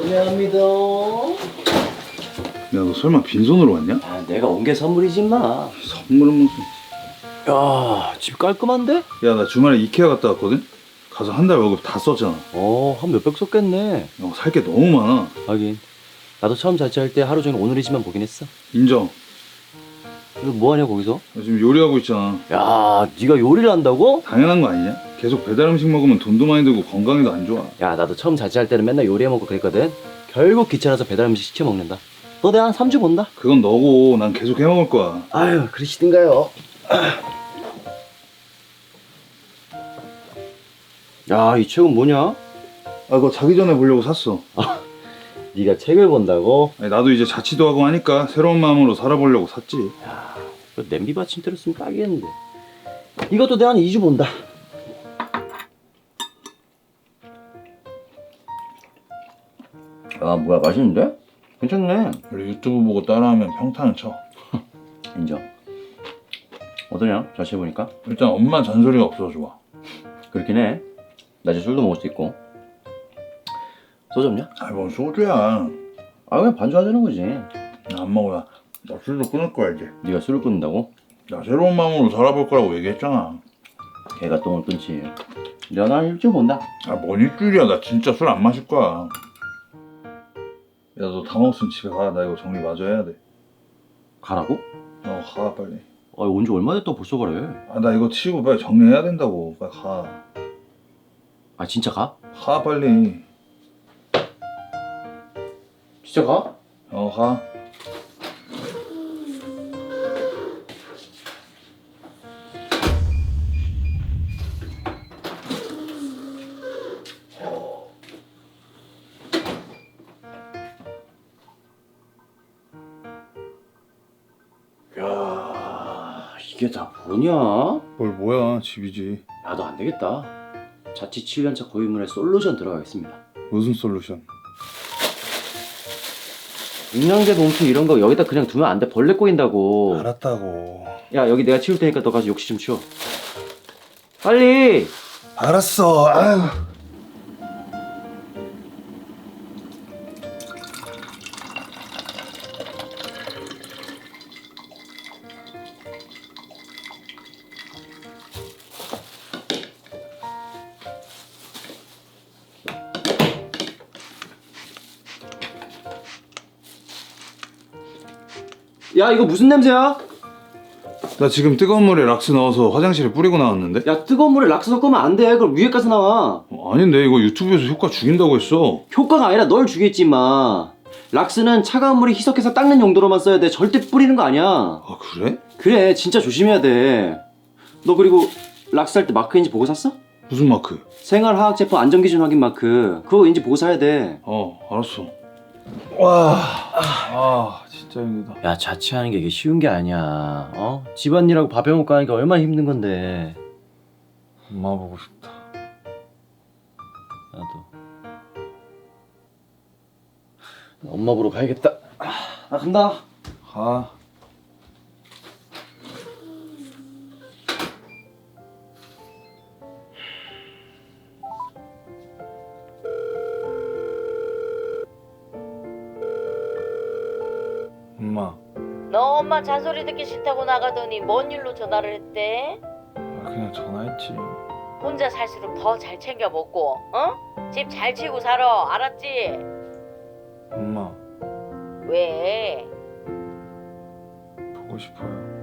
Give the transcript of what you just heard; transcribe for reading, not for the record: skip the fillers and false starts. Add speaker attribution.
Speaker 1: 미안합니다.
Speaker 2: 야, 너 설마 빈손으로 왔냐?
Speaker 1: 아, 내가 온 게 선물이지 마.
Speaker 2: 선물은 무슨...
Speaker 1: 야, 집 깔끔한데?
Speaker 2: 야, 나 주말에 이케아 갔다 왔거든? 가서 한 달 월급 다 썼잖아.
Speaker 1: 한 몇백 썼겠네.
Speaker 2: 살 게 너무 많아.
Speaker 1: 하긴 나도 처음 자취할 때 하루 종일 오늘이지만 보긴 했어.
Speaker 2: 인정.
Speaker 1: 너 뭐하냐 거기서?
Speaker 2: 나 지금 요리하고 있잖아.
Speaker 1: 야, 네가 요리를 한다고?
Speaker 2: 당연한 거 아니냐? 계속 배달 음식 먹으면 돈도 많이 들고 건강에도 안 좋아.
Speaker 1: 야, 나도 처음 자취할 때는 맨날 요리해 먹고 그랬거든. 결국 귀찮아서 배달 음식 시켜 먹는다. 너 내가 한 3주 본다.
Speaker 2: 그건 너고 난 계속 해 먹을 거야.
Speaker 1: 아유, 그러시든가요. 야, 이 책은 뭐냐?
Speaker 2: 아, 그거 자기 전에 보려고 샀어.
Speaker 1: 네가 책을 본다고?
Speaker 2: 아니, 나도 이제 자취도 하고 하니까 새로운 마음으로 살아보려고 샀지.
Speaker 1: 야, 이거 냄비 받침대로 쓰면 딱이겠는데. 이것도 내가 한 2주 본다. 아, 뭐야, 맛있는데? 괜찮네.
Speaker 2: 우리 유튜브 보고 따라하면 평타는 쳐.
Speaker 1: 인정. 어떠냐? 자취해보니까?
Speaker 2: 일단 엄마 잔소리가 없어서 좋아.
Speaker 1: 그렇긴 해. 낮에 술도 먹을 수 있고. 소주 없냐?
Speaker 2: 아, 뭔 소주야.
Speaker 1: 아, 그냥 반주하자는 거지.
Speaker 2: 나 안 먹어. 나 술도 끊을 거야 이제.
Speaker 1: 네가 술을 끊는다고?
Speaker 2: 나 새로운 마음으로 살아볼 거라고 얘기했잖아.
Speaker 1: 걔가 똥을 끊지. 내가 난 일주일 본다.
Speaker 2: 아, 뭔 일주일이야. 나 진짜 술 안 마실 거야. 야, 너 다 먹었으면 집에 가. 나 이거 정리 마저 해야 돼.
Speaker 1: 가라고?
Speaker 2: 가 빨리.
Speaker 1: 아, 온 지 얼마 됐다고 벌써 가래?
Speaker 2: 아, 나 이거 치우고 빨리 정리해야 된다고. 빨리 가.
Speaker 1: 아, 진짜 가?
Speaker 2: 가 빨리.
Speaker 1: 진짜 가?
Speaker 2: 가.
Speaker 1: 야, 이게 다 뭐냐?
Speaker 2: 뭘 뭐야, 집이지.
Speaker 1: 야, 너 안 되겠다. 자취 7년차 고인물에 솔루션 들어가겠습니다.
Speaker 2: 무슨 솔루션?
Speaker 1: 영양제 봉투 이런 거 여기다 그냥 두면 안 돼. 벌레 꼬인다고.
Speaker 2: 알았다고.
Speaker 1: 야, 여기 내가 치울 테니까 너 가서 욕실 좀 치워. 빨리!
Speaker 2: 알았어. 아유.
Speaker 1: 야, 이거 무슨 냄새야?
Speaker 2: 나 지금 뜨거운 물에 락스 넣어서 화장실에 뿌리고 나왔는데?
Speaker 1: 야, 뜨거운 물에 락스 섞으면 안 돼. 그럼 위에 가서 나와.
Speaker 2: 아닌데, 이거 유튜브에서 효과 죽인다고 했어.
Speaker 1: 효과가 아니라 널 죽였지, 임마. 락스는 차가운 물에 희석해서 닦는 용도로만 써야 돼. 절대 뿌리는 거 아니야.
Speaker 2: 아, 그래?
Speaker 1: 그래, 진짜 조심해야 돼. 너 그리고 락스 할 때 마크인지 보고 샀어?
Speaker 2: 무슨 마크?
Speaker 1: 생활화학제품 안전기준 확인 마크. 그거 인지 보고 사야 돼.
Speaker 2: 알았어. 와, 진짜 힘들다.
Speaker 1: 야, 자취하는 게 이게 쉬운 게 아니야. 집안일하고 밥 해먹고 하니까 얼마나 힘든 건데.
Speaker 2: 엄마 보고 싶다.
Speaker 1: 나도. 엄마 보러 가야겠다. 나 간다.
Speaker 2: 가. 엄마,
Speaker 3: 너 엄마 잔소리 듣기 싫다고 나가더니 뭔 일로 전화를 했대?
Speaker 2: 그냥 전화했지.
Speaker 3: 혼자 살수록 더 잘 챙겨 먹고, 집 잘 치고 살아, 알았지?
Speaker 2: 엄마,
Speaker 3: 왜?
Speaker 2: 보고 싶어요.